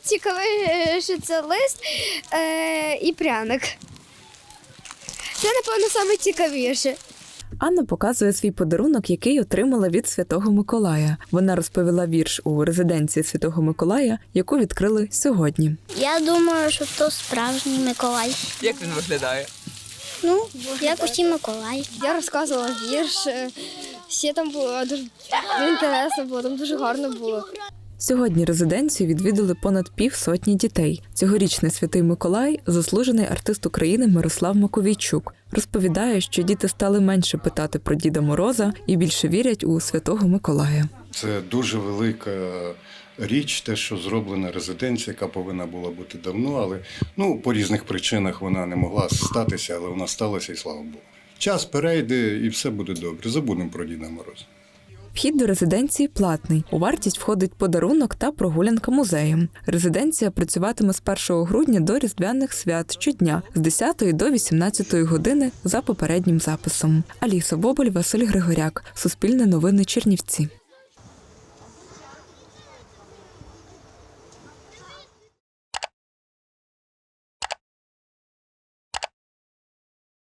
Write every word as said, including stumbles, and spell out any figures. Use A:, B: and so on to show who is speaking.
A: найцікавіше це лист е, і пряник. Це, напевно, найцікавіше.
B: Анна показує свій подарунок, який отримала від Святого Миколая. Вона розповіла вірш у резиденції Святого Миколая, яку відкрили сьогодні.
C: Я думаю, що то справжній Миколай.
D: Як він виглядає?
C: Ну, як усі Миколаї.
A: Я розказувала вірш, е, ще там було дуже інтересно було, там дуже гарно було.
B: Сьогодні резиденцію відвідали понад півсотні дітей. Цьогорічний Святий Миколай – заслужений артист України Мирослав Маковійчук. Розповідає, що діти стали менше питати про Діда Мороза і більше вірять у Святого Миколая.
E: Це дуже велика річ, те, що зроблена резиденція, яка повинна була бути давно, але ну, по різних причинах вона не могла статися, але вона сталася, і слава Богу. Час перейде, і все буде добре. Забудемо про Діда Мороза.
B: Вхід до резиденції платний. У вартість входить подарунок та прогулянка музеєм. Резиденція працюватиме з першого грудня до Різдвяних свят щодня з десятої до вісімнадцятої години за попереднім записом. Аліса Боболь, Василь Григоряк. Суспільне новини Чернівці.